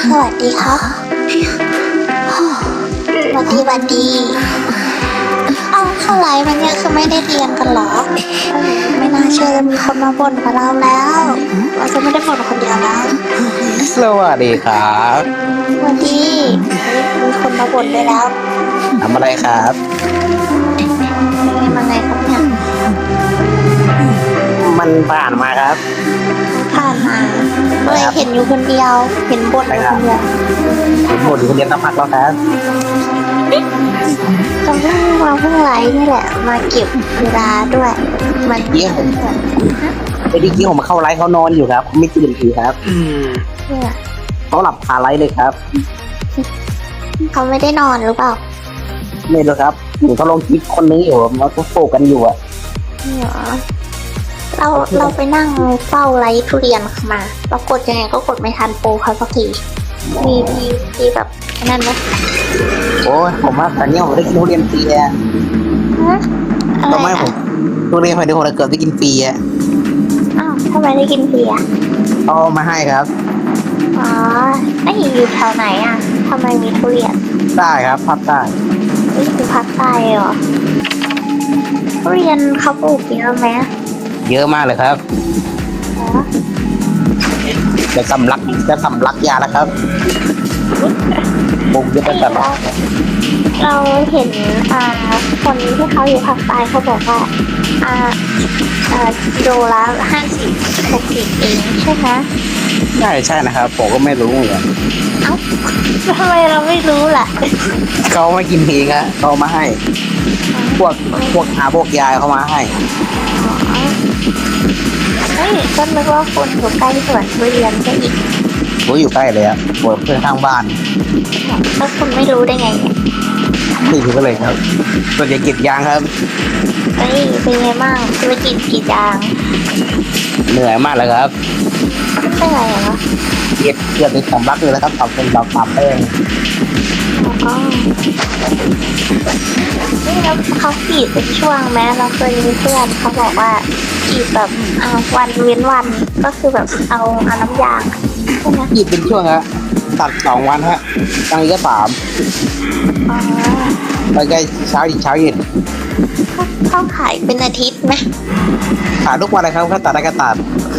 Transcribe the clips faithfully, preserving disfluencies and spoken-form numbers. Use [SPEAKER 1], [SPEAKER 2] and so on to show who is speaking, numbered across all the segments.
[SPEAKER 1] สวัสดีครับสวัสดีสวัสดีเอ้าเข้าไลฟ์มันเนี่ยคือไม่ได้เรียนกันเหรอไม่น่าเชื่อจะมีคนมาบ่นกับเราแล้วเราจะไม่ได้บ่นคนเดียวแล้ว
[SPEAKER 2] สวัสดีครับ
[SPEAKER 1] สวัสดีมีคนมาบ่นด้วยแล้ว
[SPEAKER 2] ทำอะไรครับ
[SPEAKER 1] นี่มาไงครับเนี่ย
[SPEAKER 2] มันผ่านมาครับ
[SPEAKER 1] ผ่านมาเลยเห็นอยู่คนเดียวเห็นบ่นอยู่คนเดียว
[SPEAKER 2] เห็นบ่นอยู่คนเดียวตั้งพักแล้วครับ
[SPEAKER 1] ตอนที่มาเพิ่งไลฟ์นี่แหละมาเก็บเวลาด้วยมัน
[SPEAKER 2] เยี่ยมไอ้ดิกี้ผมมาเข้าไลฟ์เขานอนอยู่ครับไม่ตื่นทีครับเขาหลับคาไลฟ์เลยครับ
[SPEAKER 1] เขาไม่ได้นอนหรือเปล่า
[SPEAKER 2] ไม่รู้ครับหนูเขาลงคลิปคนนึงอยู่มาโฟกันอยู่อ่ะ
[SPEAKER 1] เหรอเราเราไปนั่งเฝ้าไลฟ์ทุเรียนมาปรากฏยังไงก็กดไม่ทันโปรเขาสักทีมีมีมีแบบนั่นไหม
[SPEAKER 2] โอ้ยผมว่าตอนนี้ผมได้กินทุเรียนฟรีอ่ะก็ไม่ผมทุเรียนไปเดี๋ยวผมเกิดได้กินฟรีอ่ะ
[SPEAKER 1] อ้าวทำไมได้กินฟรีอ่ะ
[SPEAKER 2] เอามาให้ครับ
[SPEAKER 1] อ๋อไอ้อยู่แถวไหนอ่ะทำไมมีทุเรียน
[SPEAKER 2] ได้ครับภาคใต้
[SPEAKER 1] นี่คือภาคใต้เหรอทุเรียนเขาปลูกเยอะไหม
[SPEAKER 2] เยอะมากเลยครับจะสำลักจะสำลักยาแล้วครับบุกจะเป็นแบบ
[SPEAKER 1] เราเห็นอ่าคนที่เขาอยู่ภาคใต้เขาบอกว่าอ่าอ่าโลละห้าสิบหกสิบเองใช่ไหม
[SPEAKER 2] ใช่ใช่นะครับผมก็ไม่รู้เหมือนกัน
[SPEAKER 1] เอ้าทำไมเราไม่รู้ล่ะ
[SPEAKER 2] เขาไม่กินเองอะเขามาให้พวกพวกอาพวกยายเขามาให้
[SPEAKER 1] เฮ้ยก็นึกว่าคนอยู่ใกล้สวนทุเรียนซะอีก
[SPEAKER 2] ผมอยู่ใกล้เลยอะปวดเพื่อนข้างบ้าน
[SPEAKER 1] แล้วคุณไม่รู้ได้ไงเนี่ย
[SPEAKER 2] ไม่รู้ก็เลยครับส่วนใหญ่กินยางครับ
[SPEAKER 1] เฮ้ยเป็นไงบ้างธุรกิจกี่ยาง
[SPEAKER 2] เหนื่อยมากเลยครับ
[SPEAKER 1] เป็นไรเหรอ
[SPEAKER 2] เกียดเกียดในสำลักเลยนะครับทำเป็นดอกปาแป้ง
[SPEAKER 1] อ๋อนี่แล้วเขาขีดเป็นช่วงแม้เราเคยมีเพื่อนเขาบอกว่าขีดแบบเอาวันเว้นวันก็คือแบบเอาเอาน้ำยางใช่ไหม
[SPEAKER 2] ขีดเป็นช่วงฮะตัดสองวันฮะกลางวันก็สาม
[SPEAKER 1] อ๋อ
[SPEAKER 2] ไปใกล้เช้าอีกเช้าเย็น
[SPEAKER 1] เขาขายเป็นอาทิตย์ไหม
[SPEAKER 2] ขายทุกวันเลยครับแค่ตัดได้ก็ตัด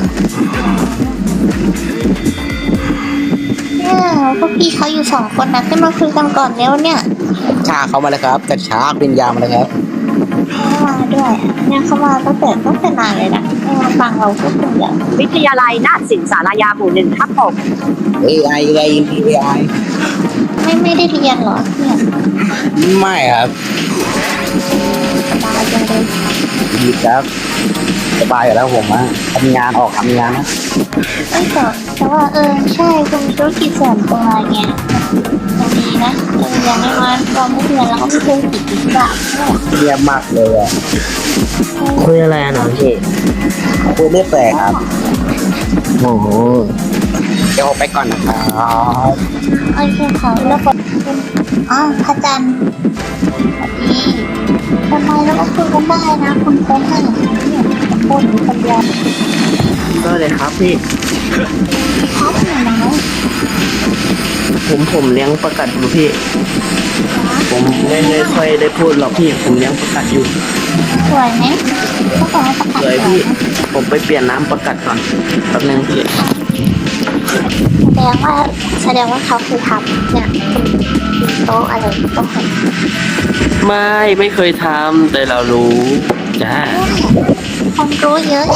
[SPEAKER 1] เนี่ยพวกพี่เขาอยู่สองคนนะขึ้นมาคุยกันก่อนแล้วเนี่ย
[SPEAKER 2] ชาเขามาเลยครับกระชากเป็นยามาเลยครับ
[SPEAKER 1] เขามาด้วยเนี่ยเขามาตั้งแต่ตั้งแต่นานเลยนะมาฟังเราพูดคุยอย่าง
[SPEAKER 3] วิทยาลัยนาฏศิลป์สารยาหมู่หนึ่งทับหก
[SPEAKER 2] เอไอไอเอไอ
[SPEAKER 1] ไม่ไม่ได้เรียนเหรอเนี่ย
[SPEAKER 2] ไม่ครับ
[SPEAKER 1] สบายจังเลย
[SPEAKER 2] ดีครับสบายอยู่แล้วผมอะทำงานออกทำงานนะ
[SPEAKER 1] ไม่แต่แต่ว่าเออใช่คุณธุรกิจส่วนตัวไงมันดีนะเอออย่างน้อยๆเราไม่เรียนแล้วก็ไม่เคยติดติดแบบ
[SPEAKER 2] เรียบมากเลยอะ
[SPEAKER 4] คุยอะไรอ่ะน้องพี่
[SPEAKER 2] คุยเรื่องแปลกครับโอ้โหเดี๋ยวไปก่อนนะครับ
[SPEAKER 1] โอเคค่ะแล้วก็อ๋อพระจันทร์นี่ทำไมเราก็คุยกันได้นะคุณโค้ชให้เนี่ยโค้ชอยู่คนเดียว
[SPEAKER 4] ก็เลยครับพี่
[SPEAKER 1] ครับหนูนะ
[SPEAKER 4] ผมผมเลี้ยงประกัดอยู่พี่ผมไม่ไม่ค่อยได้พูดหรอกพี่ผมเลี้ยงประกัดอยู่
[SPEAKER 1] สวยไหมก็ขอให้ประกัด
[SPEAKER 4] สวยพี่ผมไปเปลี่ยนน้ำประกัดก่อนแป๊บนึงพี่
[SPEAKER 1] แสดงว่าแสดงว่าเขาเคยทำเนี่ยโต๊ะอะไรโต๊ะ
[SPEAKER 4] ไม่ไม่เคยทำแต่เรารู้จ้า
[SPEAKER 1] คนรู้เยอะ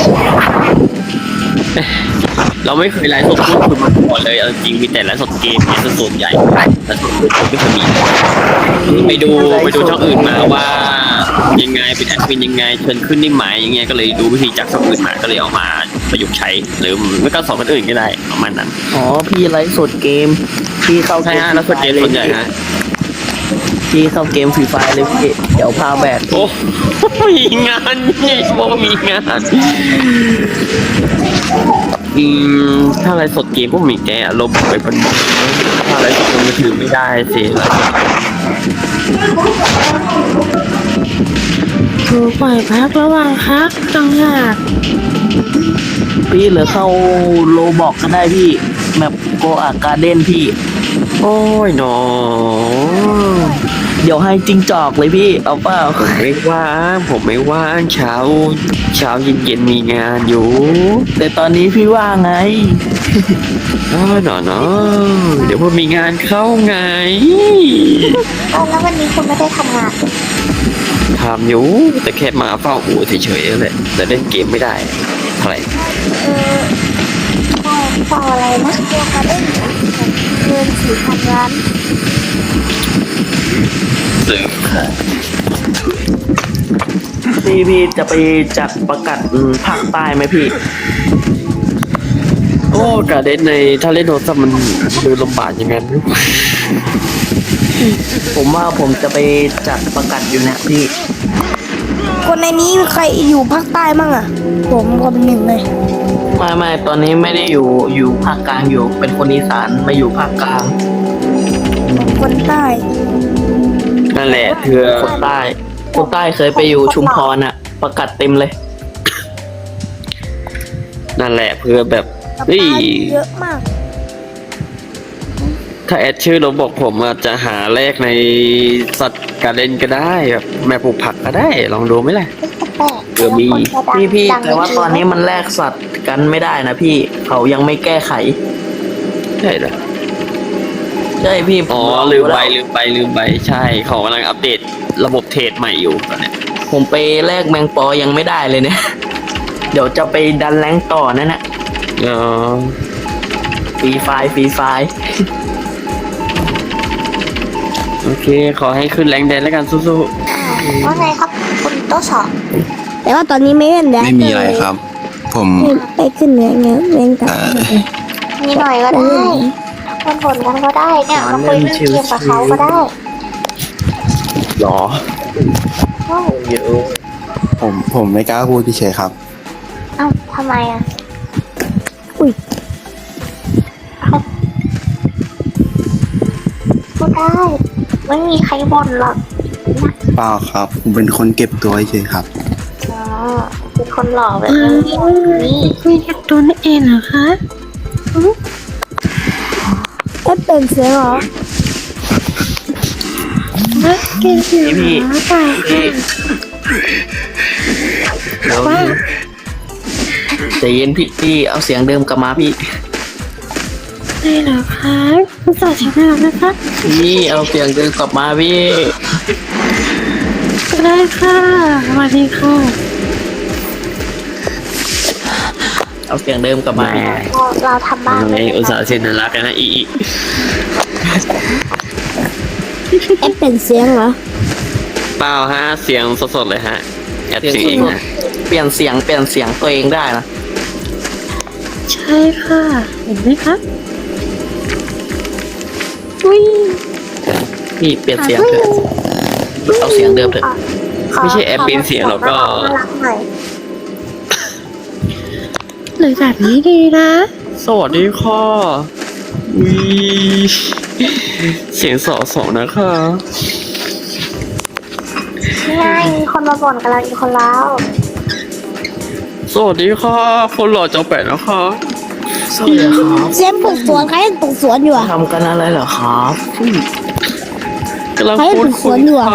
[SPEAKER 4] เราไม่เคยไลฟ์สดพูดคุยมาก่อนเลยเอาจริงมีแต่ไลฟ์สดเกมเนี่ยส่วนใหญ่ไลฟ์สดพูดคุยไม่เคยมีไปดูไปดูช่องอื่นมาว่ายังไงเป็นแอดมินยังไงเชิญขึ้นนี่หมายอย่างเงี้ยก็เลยดูวิธีจากช่องอื่นมาก็เลยเอามาประยุกต์ใช้หรือไม่ก็สอนคนอื่นก็ได้ประมาณนั้นอ๋อพี่ไลฟ์สดเกมพี่เข้าใช่ฮะไลฟ์สดเกมส่วนใหญ่ฮะพี่เข้าเกมฟรีไฟเลยพี่เดี๋ยวพาแบก
[SPEAKER 3] โอ้มีงานนี่บอกว่ามีงานอืมถ้าอะไรสดเกมก็มีแกอารมณ์ไปเป็นถ้าอะไรสดมือถือไม่ได้สิ
[SPEAKER 4] ถูกปล่อยพักระหว่างพักจังหากพี่เหลือเข้าโลบอกก็ได้พี่
[SPEAKER 5] แมปโกอาการเด้นพี่
[SPEAKER 3] โอ้ยหนอ
[SPEAKER 5] เดี๋ยวให้จิงจอกเลยพี่ เอาเปล่า
[SPEAKER 3] ผมไม่ว่างผมไม่ว่างเช้า เช้าเย็นเย็นๆมีงานอยู่
[SPEAKER 5] แต่ตอนนี้พี่ว่าไง
[SPEAKER 3] เออหนอเนาะเดี๋ยวพอมีงานเข้าไง
[SPEAKER 1] เอาแล้ววันนี้คุณไม่ได้ทำงาน
[SPEAKER 3] ทำอยู่แต่แค่มาเฝ้าอู่เฉยๆแหละแต่เล่นเกมไม่ได้เท่าไหร่
[SPEAKER 1] เออใช่ต่ออะไรนะเกี่ยวกับเรื่องเงินสี่พันล้าน
[SPEAKER 3] ซึ่ง
[SPEAKER 5] พี่พี่จะไปจัดประกาศภาคใต้ไหมพี่
[SPEAKER 3] โอ้การเล่นในถ้าเล่นโทรศัพท์มันดูลำบากอย่างนั้น
[SPEAKER 5] ผมว่าผมจะไปจัดประกาศอยู่นะพี่
[SPEAKER 6] คนในนี้ใครอยู่ภาคใต้มั่งอ่ะ ผมคนหนึ่งเลย
[SPEAKER 5] ไม่ไม่ตอนนี้ไม่ได้อยู่อยู่ภาคกลางอยู่ เป็นคนอีสานมาอยู่ภาคกลาง
[SPEAKER 6] ผมคนใต้
[SPEAKER 3] นั่นแหละเธอ
[SPEAKER 5] คนใต้คนใต้เคยไปอยู่ชุมพรอะประกาศเต็มเลย
[SPEAKER 3] นั่นแหละเพื่อแบบ
[SPEAKER 6] กับ
[SPEAKER 3] เฮ้ย
[SPEAKER 6] ป้าเยอะมาก
[SPEAKER 3] ถ้าแอดชื่อเราบอกผมอาจจะหาแลกในสัตว์การเล่นก็ได้แบบแม่ปลูกผักก็ได้ลองดูไหมล่ะ
[SPEAKER 1] แปลก
[SPEAKER 3] เออมี
[SPEAKER 5] พี่พี่แต่ว่าตอนนี้มันแลกสัตว์กันไม่ได้นะพี่เขายังไม่แก้ไข
[SPEAKER 3] ใช่เหรอ
[SPEAKER 5] ใช่พี่
[SPEAKER 3] อ๋อลืมไปลืมไปลืมไปใช่เขากำลังอัปเดตระบบเทรดใหม่อยู่ตอนเนี้ย
[SPEAKER 5] ผมไปแลกแมงปอยังไม่ได้เลยเนี่ย เดี๋ยวจะไปดันแรงต่อนั่นน่ะ
[SPEAKER 3] อ๋อ
[SPEAKER 5] ฟรีไฟล์ฟรีไฟล์
[SPEAKER 3] โอเค ขอให้ขึ้นแรงแดนแล้วกันสู้
[SPEAKER 1] ว่าไงครับคุณโต๊ะสอง
[SPEAKER 6] แต่ว่าตอนนี้ไม่เล่นแล้ว
[SPEAKER 7] ไม่มีอะไรครับ ผม
[SPEAKER 6] ไปขึ้นเนื้อเงี้ยเล่นกับ
[SPEAKER 7] เอ่อ
[SPEAKER 1] มีหน่อยก็ได้คนผลกันก็ได้เนี่ยมาคุยเรื่องเกมกับเขาก็ได้
[SPEAKER 3] ๆหรอ
[SPEAKER 1] เอ้า
[SPEAKER 5] เยอะ
[SPEAKER 7] ผมผมไม่กล้าพูดเฉยๆครับ
[SPEAKER 1] เอ้าทำไมอ่ะ
[SPEAKER 6] อุ้ย
[SPEAKER 1] พูดได้ ไม่มีใครบ่นหรอก
[SPEAKER 7] เปล่าครับ ผมเป็นคนเก็บตัวเฉยๆครับ
[SPEAKER 1] อ๋อเป็นคนหล่อแบบนี้นี่
[SPEAKER 6] คุยกับตัวนั่นเองเหรอคะเอ๊ะเป็นเสียงเหรอเก่งเสียง
[SPEAKER 5] พี่
[SPEAKER 6] เหรอตาย
[SPEAKER 5] พี่เดี๋ยวพี่ใจเย็นพี่พี่เอาเสียงเดิมกลับมาพี่
[SPEAKER 6] ได้เหรอคะคุณสาวเสียงน่ารักนะคะ
[SPEAKER 5] พี่เอาเสียงเดิมกลับมาพี่
[SPEAKER 6] ก็ได้ค่ะสวัสดีค่ะ
[SPEAKER 5] เอาเสียงเดิมกลับมาพี่
[SPEAKER 1] เราเราทำบ้าน
[SPEAKER 3] ไงอุตส่าห์เซ็นน่ารักกันนะอีอี
[SPEAKER 6] เอ๊ะเป็นเสียงเหรอ
[SPEAKER 3] เปล่าฮะเสียงสดๆเลยฮะแอด
[SPEAKER 5] เสียง
[SPEAKER 3] เสียงเอง
[SPEAKER 5] สด
[SPEAKER 3] นะ
[SPEAKER 5] ๆเปลี่ยนเสียงเปลี่ยนเสียงตัวเองได้นะ
[SPEAKER 6] ใช่ค่ะ เห็นไหมคะอุ้ย
[SPEAKER 5] พี่เปลี่ยนเสียงเถอะเอาเสียงเดิมเถอะ
[SPEAKER 3] ไม่ใช่แอดเป็นเสียงหรอกก็
[SPEAKER 1] น่ารักหน่อย
[SPEAKER 6] หรือแบบนี้ดีนะ
[SPEAKER 3] สวัสดีค่ะวีเสียงสอสองนะคะ
[SPEAKER 1] นี่ไงมีคนมาบ่นกับเราอีกคนแล้ว
[SPEAKER 3] สวัสดีค่ะคนหล่อจอแปดนะคะ
[SPEAKER 5] สวัสดีครับ
[SPEAKER 6] เสียงปลูกสวนใครเล่นปลูกสวนอยู่อ่ะ
[SPEAKER 5] ทำกันอะไรเหรอครับ
[SPEAKER 3] กำลัง
[SPEAKER 6] ใคร
[SPEAKER 3] พูด
[SPEAKER 6] เป็นส
[SPEAKER 3] คุ
[SPEAKER 6] วย นอยู่อะ
[SPEAKER 3] ค่ะ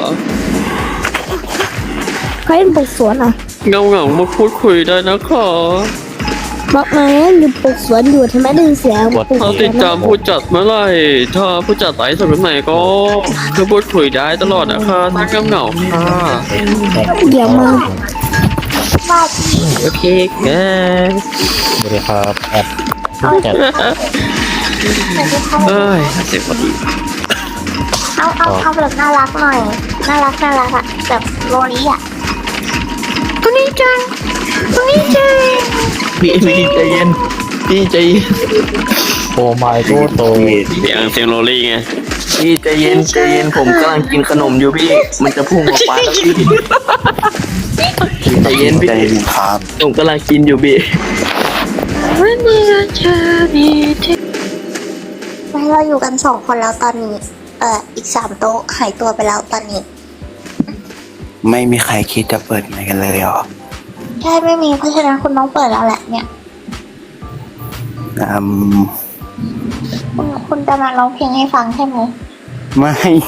[SPEAKER 6] ใครเล่นปลูกสวนอ่ะ
[SPEAKER 3] เงาเงาๆมาพูดคุยได้นะคะ
[SPEAKER 6] บอกมาเล่นอยู่ปลูกสวนอยู่ทำไมได้ยินเสียงปลูกส
[SPEAKER 3] ถ้า
[SPEAKER 6] วน
[SPEAKER 3] ติดตามผู้จัดเมื่อไหร่ถ้าผู้จัดไลฟ์สดเมื่อไหร่ก็เพื่อพูดคุยได้ตลอดนะคะทั้งเงาๆค่ะ
[SPEAKER 6] เดี๋ยวมา
[SPEAKER 1] ว่าที่
[SPEAKER 3] โอเคแก
[SPEAKER 2] สวัสดีครับแอด
[SPEAKER 1] แต่ที่เขา
[SPEAKER 3] เอ้ยเสียงพอดี
[SPEAKER 1] เอาเอาเอาแบบน่ารักหน่อย น่ารักน่ารักอะแบบโรลี่อะตัวนี้จังตัวนี้จัง
[SPEAKER 5] พี่พี่ใจเย็นพี่ใจเย็น
[SPEAKER 2] โอ้ไม่โตโต
[SPEAKER 3] เสียงเสียงโรลี่ไง
[SPEAKER 5] พี่ใจเย็นใจเย็นผมกำลังกินขนมอยู่พี่ มันจะพุ่งออกมาแล้วพี่ใจเย็นพี่
[SPEAKER 7] ใจเย็นครับ
[SPEAKER 5] ผมกำลังกินอยู่พี่
[SPEAKER 6] วันนี้จะมีที่
[SPEAKER 1] ไม่เราอยู่กันสองคนแล้วตอนนี้ เอ่ออีกสามโต๊ะหายตัวไปแล้วตอนนี้
[SPEAKER 7] ไม่มีใครคิดจะเปิดไมค์กันเลยเหรอ
[SPEAKER 1] ใช่ไม่มีเพราะฉะนั้นคุณต้องเปิดแล้วแหละเนี่ย
[SPEAKER 7] อืม
[SPEAKER 1] คุณจะมาร้องเพลงให้ฟังใช่ไหม
[SPEAKER 7] ไม่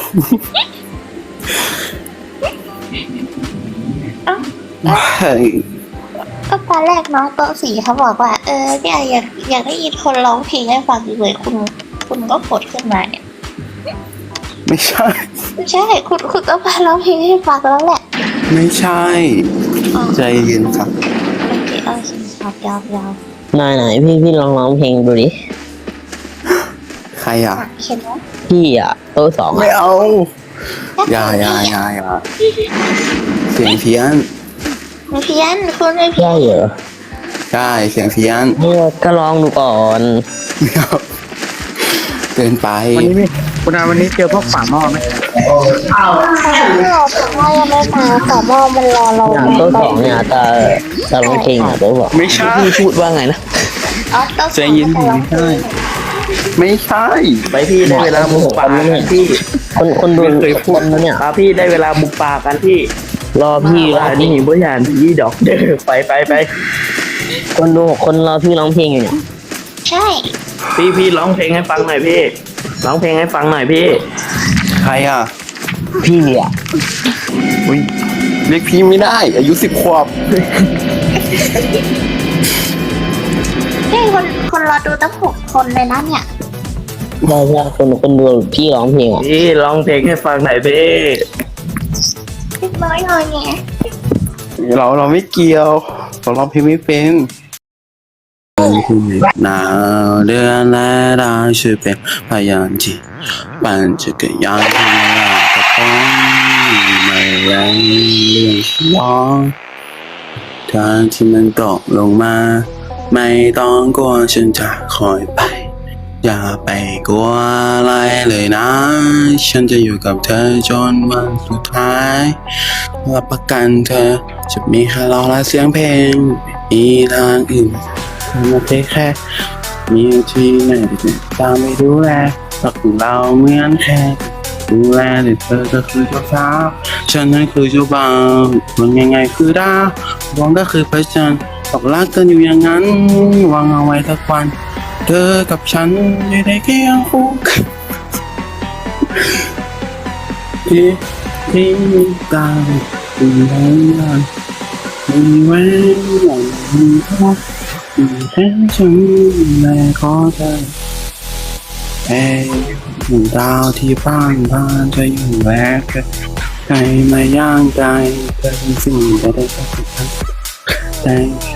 [SPEAKER 7] ไม่
[SPEAKER 1] ก็ตอนแรกน้องโต๊ะสีเขาบอกว่า เออเนี่ยอยากอยากได้ยินคนร้องเพลงให้ฟังเลยคุณ คุณก็กดขึ้นมาเนี่ย
[SPEAKER 7] ไม่ใช่
[SPEAKER 1] ไม่ใช่คุณคุณต้องมาร้องเพลงให้ฟังแล้วแหละ
[SPEAKER 7] ไม่ใช่
[SPEAKER 1] อ๋อ
[SPEAKER 7] ใจเย็นครับ
[SPEAKER 1] โอเคโอเคครับยาวยาว
[SPEAKER 4] ไหนไหนพี่พี่ลองร้องเพลงดูดิ
[SPEAKER 7] ใครอ่ะ
[SPEAKER 1] เห็นไหม
[SPEAKER 4] พี่อ่ะโต๊ะสอง
[SPEAKER 7] ไม่
[SPEAKER 4] อ่ะ
[SPEAKER 7] เอาอย่าอย่าอย่าอย่าเสียงเพี้ยน
[SPEAKER 1] ไม่เพี้ยนคุณไม่เพี้ย
[SPEAKER 4] ได้
[SPEAKER 1] น
[SPEAKER 4] เหรอ
[SPEAKER 7] ใช่เสียงเพี้ยน
[SPEAKER 4] เออก็ลองดูก่อน
[SPEAKER 7] ไม่เอาเกินไป
[SPEAKER 2] วันนี้ไม่คุณอาวันนี้เจอพวกฝาหม้อไหม
[SPEAKER 1] ไม่รอแต่ว่ายังไม่มาแต่ว่ามันรอเรา
[SPEAKER 4] เนี่ยโต๊ะสองเนี่ยจะจะร้องเพลงอ่ะโต๊ะสอง
[SPEAKER 7] ไม่ใช่
[SPEAKER 4] พี่พูดว่าไงนะ
[SPEAKER 1] อ๋อต้อง
[SPEAKER 7] ใจเย็น
[SPEAKER 1] จะร้องเพลง
[SPEAKER 7] ไม่ใช่
[SPEAKER 5] ไปพี่ได้เวลาบุกป่ากันพี่
[SPEAKER 4] คนคนดู
[SPEAKER 5] ไม่เคยพู
[SPEAKER 4] ค
[SPEAKER 5] ด
[SPEAKER 4] นนะเนี่ย
[SPEAKER 5] ครับพี่ได้เวลาบุกป่ากันพี่
[SPEAKER 4] รอพี่รอ
[SPEAKER 5] ว่า
[SPEAKER 4] พี่
[SPEAKER 5] นี่บ่ยานพี่ดอกเด้อไปไปไป
[SPEAKER 4] คนดูหกคนรอพี่ร้องเพลงอยู่เนี่ย
[SPEAKER 1] ใช่
[SPEAKER 5] พี่พี่ร้องเพลงให้ฟังหน่อยพี่ร้องเพลงให้ฟังหน่อยพี่
[SPEAKER 7] ใครอ่ะ
[SPEAKER 4] พี่อ่ะ
[SPEAKER 7] อุ้ยเรียกพี่ไม่ได้ อายุสิบขวบ
[SPEAKER 1] เฮ้ยคนคนรอดูตั้งหกคนเลยนะเนี่ย
[SPEAKER 4] ใช่ใช่คนคนดูพี่ร้องเพลงอ่ะ
[SPEAKER 5] พี่ร้องเพลงให้ฟังหน่อยพี่
[SPEAKER 1] เล็กน้อยหน่อยไง
[SPEAKER 7] เราเราไม่เกี่ยวเราร้องเพลงไม่เป็นหนาวเดือนและดาวช่วยเป็นพยานที่ปั่นจักรยานที่ไม่ลากระป๋องไม่แรงเรื่องร้องทางที่มันตกลงมา ไม่ต้องกลัวฉันจะคอยไป อย่าไปกลัวอะไรเลยนะ ฉันจะอยู่กับเธอจนวันสุดท้ายรับประกันเธอจะมีแค่เราและเสียงเพลงไม่มีทางอื่นเธอมาเทแค่มีที่ไหนที่ตามไปดูแลรักของเราเหมือนแค่ดูแลแต่เธอก็คือเจ้าสาวฉันนั้นคือเจ้าบ่าวมันยังไงคือดาวดวงก็คือพระจันทร์บอกรักกันอยู่อย่างนั้นวางเอาไว้สักวันเธอกับฉันอยู่ในเคียงคู่กันที่ที่ตามอยู่ในนั้นมีแหวนหลังมีทองมีแค่ฉันและขอเธอเอ้ยหมู่ดาวที่บ้านบ้านจะอยู่แวกใครมาย่างใจเธอเป็นสิ่งจะได้สักครั้งแต่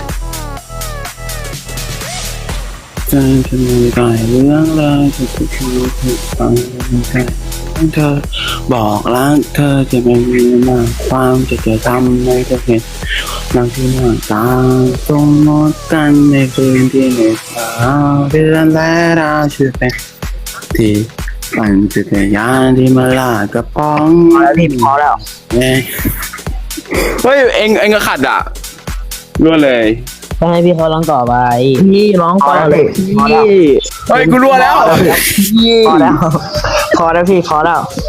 [SPEAKER 7] เธอจะมีหลายเรื่องเลยจะถูกคิวถูกฟังแค่เธอบอกรักเธอจะไม่มีมากความจะจะทำให้เธอเห็นนางที่หน้าตาตรงหมดกันในคืนที่เหน็บหนาวเดือนและดาวช่วยเป็นที่ปั่นจักรยานที่มาลากกระป๋อง
[SPEAKER 4] พอแล้วพี่พอแล้ว
[SPEAKER 7] เฮ้ยเฮ้ยเอ็งเอ็งก็ขัดอ่ะรั่วเลย
[SPEAKER 4] ต้องให้พี่เขาร้องต่อไป
[SPEAKER 5] พี่ร้องก่อนเลยพี่
[SPEAKER 7] เฮ้ยกูรั่วแล้ว
[SPEAKER 4] พอแล้วพอแล้วพี่พอแล้ว